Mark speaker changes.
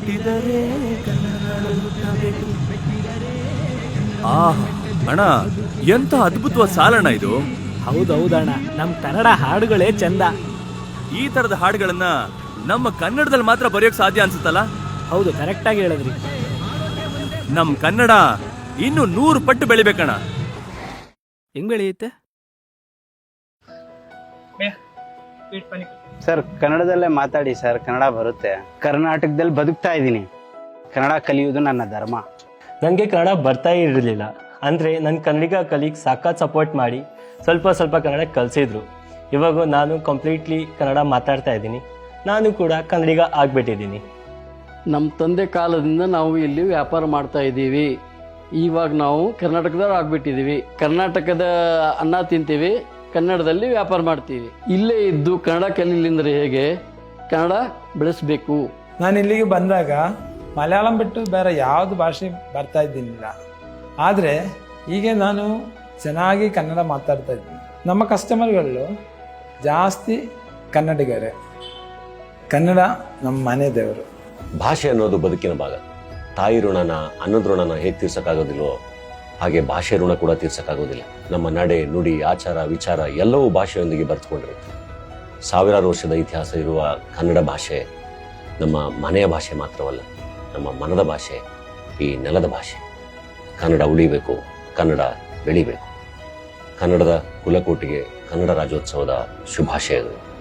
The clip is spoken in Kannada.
Speaker 1: ಹುಟ್ಟಿದರೆ ಕನ್ನಡ ಹುಟ್ಟಬೇಕು. ಅಣ್ಣ, ಎಂತ ಅದ್ಭುತವಾದ ಸಾಲಣ್ಣ ಇದು.
Speaker 2: ಹೌದೌದಣ್ಣ, ನಮ್ ಕನ್ನಡ ಹಾಡುಗಳೇ ಚಂದ.
Speaker 1: ಈ ತರದ ಹಾಡುಗಳನ್ನ ನಮ್ಮ ಕನ್ನಡದಲ್ಲಿ ಮಾತ್ರ ಬರೆಯೋಕ್ ಸಾಧ್ಯ ಅನ್ಸುತ್ತಲ್ಲ?
Speaker 2: ಹೌದು, ಕರೆಕ್ಟ್ ಆಗಿ ಹೇಳಿದ್ರಿ.
Speaker 1: ನಮ್ ಕನ್ನಡ ಇನ್ನು 100 ಪಟ್ಟು ಬೆಳಿಬೇಕಣ್ಣ.
Speaker 2: ಹೆಂಗ್ ಬೆಳೆಯುತ್ತೆ
Speaker 3: ಸರ್? ಕನ್ನಡದಲ್ಲೇ ಮಾತಾಡಿ ಸರ್, ಕನ್ನಡ ಬರುತ್ತೆ. ಕರ್ನಾಟಕದಲ್ಲಿ ಬದುಕ್ತಾ ಇದ್ದೀನಿ, ಕನ್ನಡ ಕಲಿಯುವುದು ನನ್ನ ಧರ್ಮ.
Speaker 4: ನನಗೆ ಕನ್ನಡ ಬರ್ತಾ ಇರಲಿಲ್ಲ, ಅಂದರೆ ನನ್ನ ಕನ್ನಡಿಗ ಕಲೀಗ್ ಸಾಕಾಗಿ ಸಪೋರ್ಟ್ ಮಾಡಿ ಸ್ವಲ್ಪ ಕನ್ನಡ ಕಲಿಸಿದ್ರು. ಇವಾಗ ನಾನು ಕಂಪ್ಲೀಟ್ಲಿ ಕನ್ನಡ ಮಾತಾಡ್ತಾ ಇದ್ದೀನಿ. ನಾನು ಕೂಡ ಕನ್ನಡಿಗ ಆಗಿಬಿಟ್ಟಿದ್ದೀನಿ.
Speaker 5: ನಮ್ಮ ತಂದೆ ಕಾಲದಿಂದ ನಾವು ಇಲ್ಲಿ ವ್ಯಾಪಾರ ಮಾಡ್ತಾ ಇದ್ದೀವಿ. ಇವಾಗ ನಾವು ಕರ್ನಾಟಕದವ್ರು ಆಗ್ಬಿಟ್ಟಿದ್ದೀವಿ. ಕರ್ನಾಟಕದ ಅನ್ನ ತಿಂತೀವಿ, ಕನ್ನಡದಲ್ಲಿ ವ್ಯಾಪಾರ ಮಾಡ್ತೀವಿ. ಇಲ್ಲೇ ಇದ್ದು ಕನ್ನಡ ಕಲೀಲಿಂದ್ರೆ ಹೇಗೆ? ಕನ್ನಡ ಬೆಳೆಸಬೇಕು.
Speaker 6: ನಾನು ಇಲ್ಲಿಗೆ ಬಂದಾಗ ಮಲಯಾಳಂ ಬಿಟ್ಟು ಬೇರೆ ಯಾವುದು ಭಾಷೆ ಬರ್ತಾ ಇದ್ದಿಲ್ಲ. ಆದರೆ ಈಗ ನಾನು ಚೆನ್ನಾಗಿ ಕನ್ನಡ ಮಾತಾಡ್ತಾ ಇದ್ದೀನಿ. ನಮ್ಮ ಕಸ್ಟಮರ್ಗಳು ಜಾಸ್ತಿ ಕನ್ನಡಿಗರೇ. ಕನ್ನಡ ನಮ್ಮ ಮನೆ ದೇವರು.
Speaker 7: ಭಾಷೆ ಅನ್ನೋದು ಬದುಕಿನ ಭಾಗ. ತಾಯಿ ಋಣನ, ಅನ್ನದ ಋಣನ ಹೇಗೆ ತೀರ್ಸಕ್ಕಾಗೋದಿಲ್ವೋ ಹಾಗೆ ಭಾಷೆ ಋಣ ಕೂಡ ತೀರ್ಸಕ್ಕಾಗೋದಿಲ್ಲ. ನಮ್ಮ ನಡೆ, ನುಡಿ, ಆಚಾರ, ವಿಚಾರ ಎಲ್ಲವೂ ಭಾಷೆಯೊಂದಿಗೆ ಬರೆದುಕೊಂಡಿರುತ್ತೆ. ಸಾವಿರಾರು ವರ್ಷದ ಇತಿಹಾಸ ಇರುವ ಕನ್ನಡ ಭಾಷೆ ನಮ್ಮ ಮನೆಯ ಭಾಷೆ ಮಾತ್ರವಲ್ಲ, ನಮ್ಮ ಮನದ ಭಾಷೆ, ಈ ನೆಲದ ಭಾಷೆ. ಕನ್ನಡ ಉಳಿಬೇಕು, ಕನ್ನಡ ಬೆಳಿಬೇಕು. ಕನ್ನಡದ ಕುಲಕೋಟಿಗೆ ಕನ್ನಡ ರಾಜ್ಯೋತ್ಸವದ ಶುಭಾಶಯಗಳು.